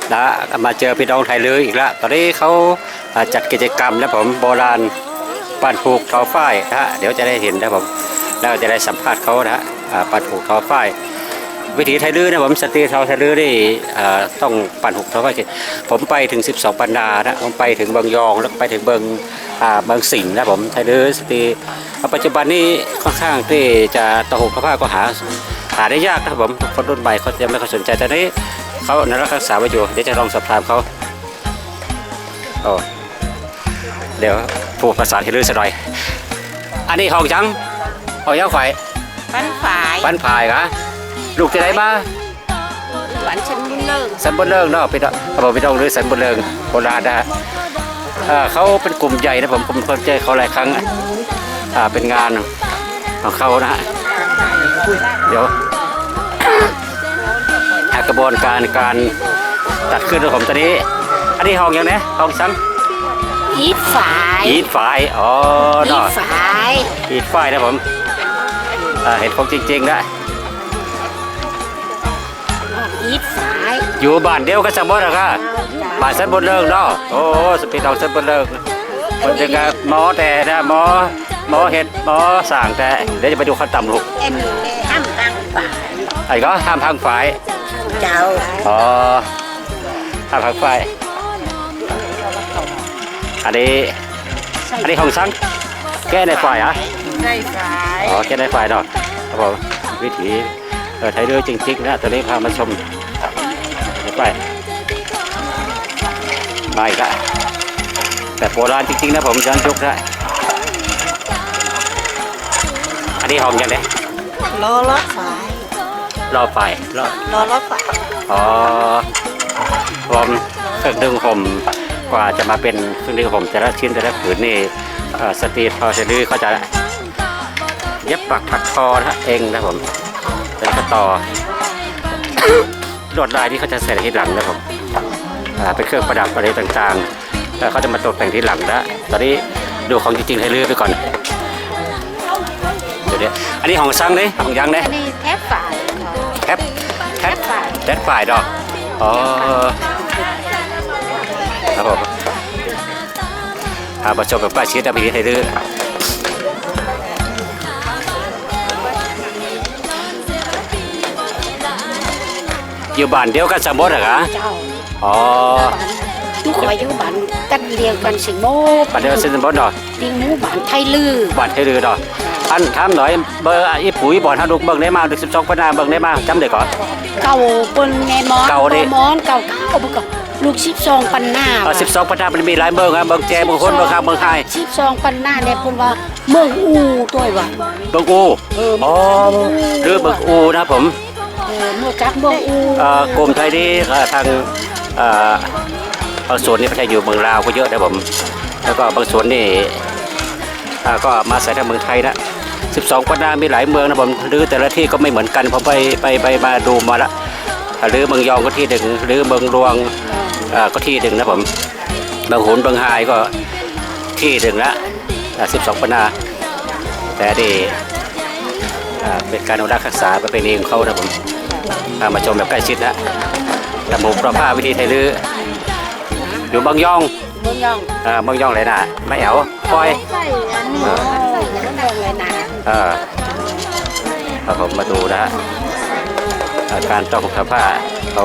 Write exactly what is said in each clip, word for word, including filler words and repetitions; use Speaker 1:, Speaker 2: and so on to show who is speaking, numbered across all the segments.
Speaker 1: นะมาเจอพี่น้องไทยเลยอีกแล้วตอนนี้เขาจัดกิจกรรมนะผมโบราณปั้นผูกทอฝ้ายนะฮะเดี๋ยวจะได้เห็นนะผมแล้วจะได้สัมภาษณ์เขานะฮะปั้นผูกทอฝ้ายวิถีไทยลื้อนะผมสตรีทอไทยลื้อนี่ต้องปั่นหุบทอฝ้ายผมไปถึงสิบสองปันนานะผมไปถึงเบิงยองแล้วไปถึงเบิงเบิงสิงห์นะผมไทยลื้อสตรีปัจจุบันนี้ค่อนข้างที่จะต่อหุบทอฝ้ายก็หาหาได้ยากนะผมคนรุ่นใหม่เขาจะไม่ค่อยสนใจแต่นี้เขาในรักษาไว้อยู่เดี๋ยวจะลองสอบถามเขาโอ้เดี๋ยวพูดภาษาไทยลื้อสักหน่อยอันนี้ห้องจังห้องยังไฟปั้นฝ่ายปั้นฝ่ายกะลูกจะได้มาหวานสันบุญเลิงสันบุญเลิงเนาะพี่น้องเขาบอกพี่น้องหรือสันบุญเลิงโบราณนะฮะเขาเป็นกลุ่มใหญ่นะผมผมเคยเจอเขาหลายครั้งเป็นงานของเขานะฮะเดี๋ยวกระบวนการการตัดขึ้นของผมตอนนี้อันนี้ห้องยังไงห้องซ้ำอีดฝ่ายอีดฝ่ายอ๋อเนาะอีดฝ่ายอีดฝ่ายนะผมเห็นผมจริงๆนะอีดฝ่ายอยู่บ้านเดียวกันสมบูรณ์นะครับบ้านสันบุญเลิงเนาะโอ้สปีดเราสันบุญเลิงคนจะกับหมอแต่นะหมอหมอเห็ดหมอสั่งแต่เดี๋ยวจะไปดูขั้นต่ำลูกห้ามพังฝ่ายไอ้ก็ห้ามพังฝ่ายเจ้าอ๋อห้ามพังฝ่ายอันนี้อันนี้ของซังแก้ในฝ่ายอ่ะในฝ่ายอ๋อแก้ในฝ่ายเนาะครับผมวิถีเออไทยเรือจริงๆนะตอนนี้พามาชมไปไปก็แต่โบราณจริงๆนะผมย้อนยุคได้อันนี้ห้องยังไงรอรถไฟรอไฟรอรอรถไฟอ๋อผมเครื่องดึงผมกว่าจะมาเป็นเครื่องดึงผมแต่ละชิ้นแต่ละผืนนี่สตรีทพอจะดื้อเขาจะเย็บปักถักทอนะเองนะผมแล้วก็ต่อลวดลายที่เขาจะใส่ที่หลังนะผมเป็นเครื่องประดับอะไรต่างๆแล้วเขาจะมาตกแต่งที่หลังนะตอนนี้ดูของจริงๆให้ลื้อไปก่อนเดี๋ยวอันนี้ของซังเลยของยังเลยอันนี้แทบฝ่ายแทบแทบฝ่ายแทบฝ่ายดอกอ๋อครับผมอาประชมกับป้าชีตาบีให้ลื้ออยู่บ้านเดียวกันสมบูรณ์เหรอคะอ๋อ
Speaker 2: ทุกคนอยู่บ้านกันเดียวกันสิโม
Speaker 1: บ้านเดียวกันสิโมดอก
Speaker 2: ดิงหมู่บ้านไทยลือ
Speaker 1: บ้านไทยลือดอกอันถามหน่อยเบอร์อีปุ๋ยบ่อนฮาดุกเบิ่งได้มาสิบสองปันนาเบิ่งได้มาจำได้ก่อน
Speaker 2: เก่าปนไงมอนเก่าดิมอนเก่าเก่าเก่าลูกสิบสองปันนา
Speaker 1: สิบสองปันนามันมีหลายเบิ่งครับเบิ่งแจเบิ่งคนเบิ่งข้างเบิ่งไฮ
Speaker 2: สิบสองปันนาเนี่ยพูดว่าเมืองอูตัวว่ะ
Speaker 1: เบิ่งอูอ๋อหรือเบิ่งอูนะผม
Speaker 2: เออเมื่อจักเมืองอู
Speaker 1: กลุ่มไทยนี่ทางบางส่วนนี่ประเทศอยู่เมืองลาวก็เยอะนะผมแล้วก็บางส่วนนี่ก็มาใส่ทางเมืองไทยนะสิบสองปันนามีหลายเมืองนะผมหรือแต่ละที่ก็ไม่เหมือนกันผมไปไปไปมาดูมาละหรือเมืองยองก็ที่หนึ่งหรือเมืองรวงก็ที่หนึ่งนะผมบางโหนบางไฮก็ที่หนึ่งละสิบสองปันนาแต่ดีเป็นการอนุรักษ์รักษาประเพณีของเขานะผมมาชมแบบใกล้ชิดนะแต่หมู่ประภาวิธีไทยลื้ออยู่บางยอง
Speaker 2: บางยอง
Speaker 1: อ่าบางยองเลยนะไม่เอาคอย
Speaker 2: เออเลยนะ
Speaker 1: เออเอาผมมาดูนะการต่อหุบผ้าเขา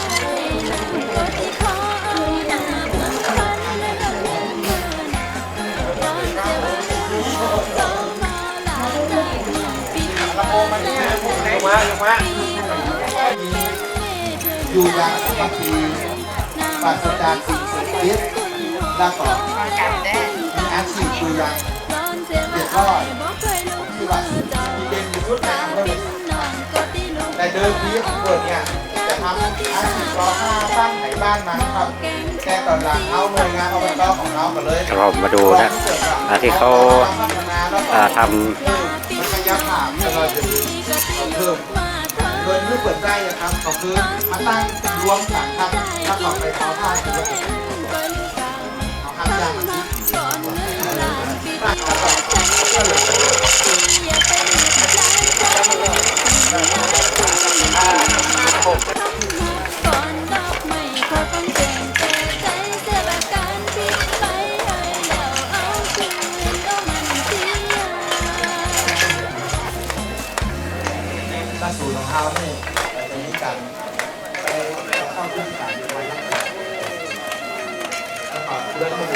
Speaker 3: อยู่อย่างสมาธิปราศจากสิ่งเสพติดแล้วก็มีอาชีพอยู่อย่างเดือดร้อนที่ว่ามีเป็นยุทธในอำเภอแต่เดิมทีของเปิดเนี่ยจะทำอาชีพรอผ้าสร้างไหนบ้านมาครับแต่ตอนหลังเอาหน่วยงานอบตของเราก็เลย
Speaker 1: เรามาดูนะที่เขาทำ
Speaker 3: มันขยับผ่านเราจะเพิ่มโดยที่เปิดได้นะครับก็คือมาตั้งรวมกันครับถ้าต่อไปเขาผ้าจะเป็นเขาทำยางมันที่เท้าเนี่ยเราจะมีการไปเข้าเครื่องการไว้แล้วก็เรื่อง